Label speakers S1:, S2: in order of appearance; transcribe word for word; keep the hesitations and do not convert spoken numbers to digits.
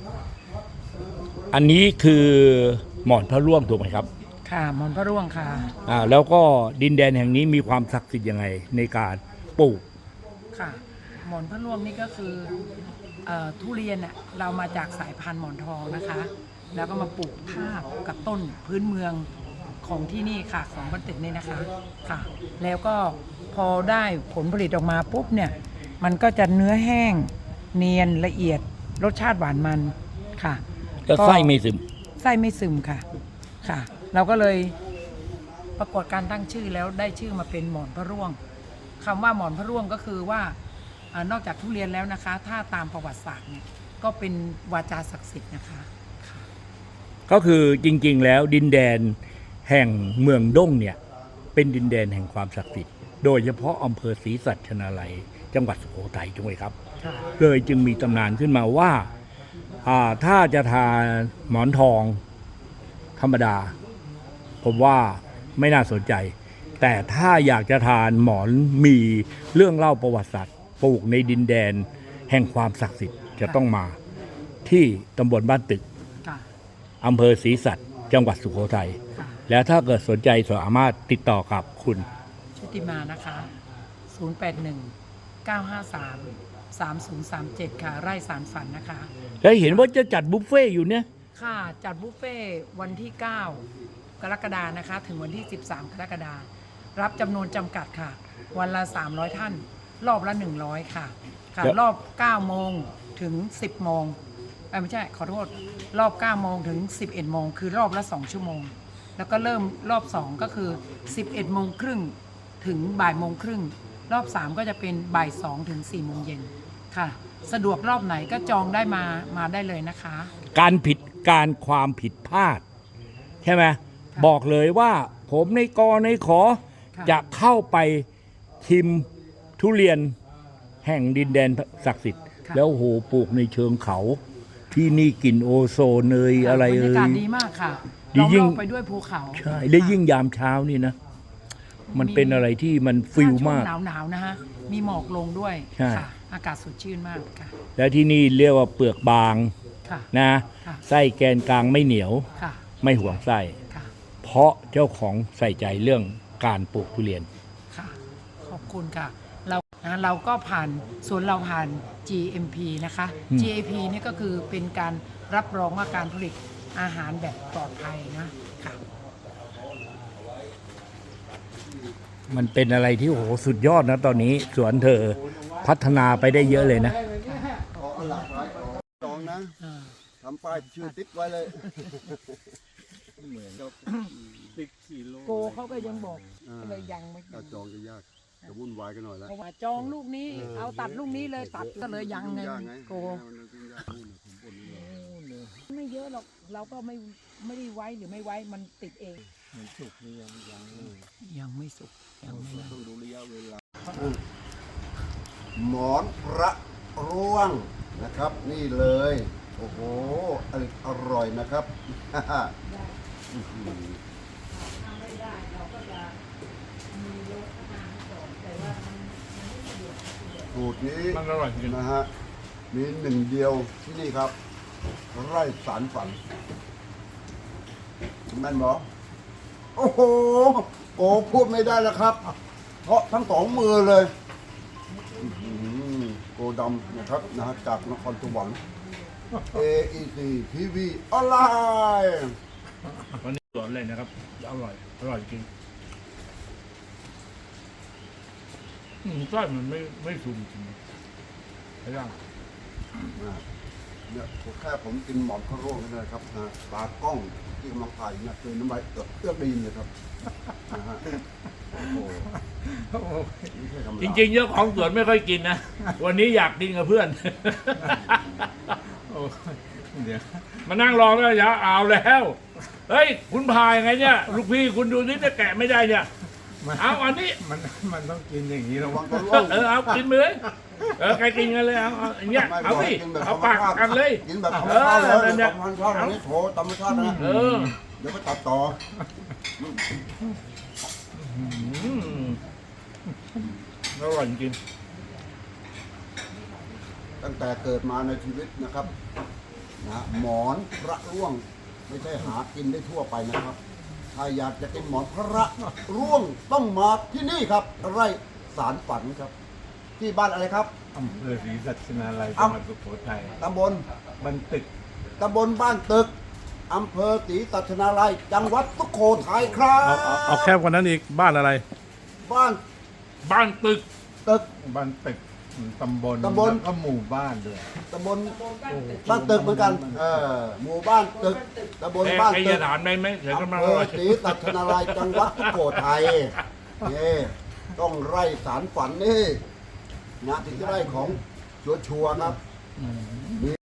S1: อันนี้คือหมอนพระร่วงถูกไหมครับ
S2: ค่ะหมอนพระร่วงค่ะ
S1: อ่าแล้วก็ดินแดนแห่งนี้มีความศักดิ์สิทธิ์ยังไงในการปลูก
S2: ค่ะหมอนพระร่วงนี่ก็คือเอ่อทุเรียนเน่ยเรามาจากสายพันธุ์หมอนทองนะคะแล้วก็มาปลูกทาบกับต้นพื้นเมืองของที่นี่ค่ะของบ้านตึกนี่นะคะค่ะแล้วก็พอได้ผลผลิตออกมาปุ๊บเนี่ยมันก็จะเนื้อแห้งเนียนละเอียดรสชาติหวานมันค่ะ
S1: แล้วไส้ไม่ซึม
S2: ไส้ไม่ซึมค่ะค่ะเราก็เลยประกวดการตั้งชื่อแล้วได้ชื่อมาเป็นหมอนพระร่วงคำว่าหมอนพระร่วงก็คือว่านอกจากทุเรียนแล้วนะคะถ้าตามประวัติศาสตร์เนี่ยก็เป็นวาจาศักดิ์สิทธิ์นะคะ
S1: ก็คือจริงๆแล้วดินแดนแห่งเมืองด้งเนี่ยเป็นดินแดนแห่งความศักดิ์สิทธิ์โดยเฉพาะอำเภอศรีสัชนาลัยจังหวัดสุโขทัยถูกไหมครับเลยจึงมีตำนานขึ้นมาว่าถ้าจะทานหมอนทองธรรมดาผมว่าไม่น่าสนใจแต่ถ้าอยากจะทานหมอนมีเรื่องเล่าประวัติศาสตร์ปลูกในดินแดนแห่งความศักดิ์สิทธิ์จะต้องมาที่ตำบลบ้านตึกอำเภอศรีสัชจังหวัดสุโขทัยแล้วถ้าเกิดสนใจสามารถติดต่อกับคุณ
S2: ชุติมานะคะศูนย์ แปด หนึ่ง เก้า ห้า สาม สาม ศูนย์ สาม เจ็ดค่ะไร่สารฝันนะคะ
S1: แล้วเห็นว่าจะจัดบุฟเฟ่อยู่เนี่ย
S2: ค่ะจัดบุฟเฟ่วันที่เก้ากรกฎานะคะถึงวันที่สิบสามกรกฎารับจำนวนจำกัดค่ะวันละสามร้อยท่านรอบละหนึ่งร้อยค่ะค่ะรอบเก้าโมงถึงสิบโมงไม่ใช่ขอโทษรอบเก้าโมงถึงสิบเอ็ดโมงคือรอบละสองชั่วโมงแล้วก็เริ่มรอบสองก็คือสิบเอ็ดโมงครึ่งถึงบ่ายโมงครึ่งรอบสามก็จะเป็นบ่ายสองถึงสี่โมงเย็นค่ะสะดวกรอบไหนก็จองได้มามาได้เลยนะคะ
S1: การผิดการความผิดพลาดใช่ไหมบอกเลยว่าผมในกอในขอจะเข้าไปชิมทุเรียนแห่งดินแดนศักดิ์สิทธิ์แล้วโหปลูกในเชิงเขาที่นี่กลิ่นโอโซนเนยอะไรเอ่ยบรรยากาศ
S2: ดีมากค่ะ
S1: ดียิ่ง
S2: ไปด้วยภูเขา
S1: ใช่ได้ยิ่งยามเช้านี่นะมันเป็นอะไรที่มันฟิลมาก
S2: หนาวหนาวนะฮะมีหมอกลงด้วยค่ะอากาศสดชื่นมากค่ะ
S1: แล้วที่นี่เรียกว่าเปลือกบางนะไส้แกนกลางไม่เหนียวไม่ห่วงไส้เพราะเจ้าของใส่ใจเรื่องการปลูกทุเรียน
S2: ค่ะขอบคุณค่ะเรานะเราก็ผ่านส่วนเราผ่าน จี เอ็ม พี นะคะ จี เอ พี นี่ก็คือเป็นการรับรองว่าการผลิตอาหารแบบปลอดภัยนะค่ะ
S1: มันเป็นอะไรที่โอ้โหสุดยอดนะตอนนี้สวนเธอพัฒนาไปได้เยอะเลยนะ
S3: จองนะทำป้ายชื่อติดไว้เลยเหมือนกับ
S2: ติดสี่โลโกเขาก็ยังบอกเลยยังไม่
S3: จองจะยากจะวุ่นวายกันหน่อยแล้ว
S2: เพราะว่าจองลูกนี้เอาตัดลูกนี้เลยตัดก็เลยยังไงโกไม่เยอะหรอกเราก็ไม่ไม่ได้ไว้หรือไม่ไว้มันติดเองมันสุกนี่ยังยังยังไม่สุกยังไม่
S3: ต้องดูระยะเวลาหมอนพระร่วงนะครับนี่เลยโอ้โหอร่อยนะครับสูตรนี้
S1: มันอร่อยจริง
S3: นะฮะมีหนึ่งเดียวที่นี่ครับไร่สารฝันแม่นบอโอ้โหโอ้พูดไม่ได้แล้วครับเพราะทั้งสองมือเลยโกดำนะครับนะฮะจากนครสวรรค์ เอ อี ซี ที วี ออนไลน์
S1: วันนี้สวนเลยนะครับอร่อยอร่อยจริงไส้มันไม่ไม่ซุ่มจริงใช่ไหม
S3: เนี่ยผมแค่ผมกินหมอนพระร่วงนี่นะครับนะตากล้องที่กำลังถ่ายเนี่ยคือน้ำลายเอือกเอือกดีเลยครับนะฮะ
S1: จริงๆเจ้าของสวนไม่ค่อยกินนะวันนี้อยากกินกับเพื่อนเดี๋ยวมานั่งรอแล้วอย่าเอาแล้วเฮ้ยคุณพายไงเนี่ยลูกพี่คุณดูนี่จะแกะไม่ได้เนี่ยเอาอันนี้
S4: มันมันต้องกินอย่างนี้ระวัง
S3: ตัว
S1: ร่วงเออเอากินไปเลยเออใครกินกันเลยเอาเอาอย่างเงี้ยเอาสิเอาปากกันเลย
S3: กินแบบธรรมชาติเลยธรรมชาติอันนี้โถธรรมชาตินะ
S1: เออ
S3: เดี๋ยวไปตัดต่อ
S1: อร่อยจริง
S3: ตั้งแต่เกิดมาในชีวิตนะครับนะหมอนพระร่วงไม่ใช่หากินได้ทั่วไปนะครับ ถ้าอยากจะกินหมอนพระร่วงต้องมาที่นี่ครับ ไร่สารฝันครับ ที่บ้านอะไรครับ
S4: อำเภอศรีสัชนาลัยจังหวัดสุโขทัย
S3: ตำบล
S4: บันตึก
S3: ตำบลบ้านตึกอำเภอศรีสัชนาลัยจังหวัดสุโขทัยครั
S5: เอาเอาเอา
S3: บ
S5: แคบกว่านั้นอีกบ้านอะไร
S3: บ้าน
S1: บ้านตึก
S3: ตึก
S4: บันตึกตำบล
S3: ตำบล
S4: แล้วก็หมู่บ้านด้วย
S3: ตำบลบ้านตึกเหมือนกันเออหมู่บ้านตึกตำบลบ้าน
S1: ไอ้
S3: ตึ
S1: ยาก ถามได้ไหมเดี๋ยวก็มา
S3: อำเภ
S1: อ
S3: อ
S1: ร่อย
S3: ศรีสัชนาลัยจังหวัดสุโขทัยนี่ต้องไร่สารฝันนี่นะถึงจะได้ของชัวร์ๆครับ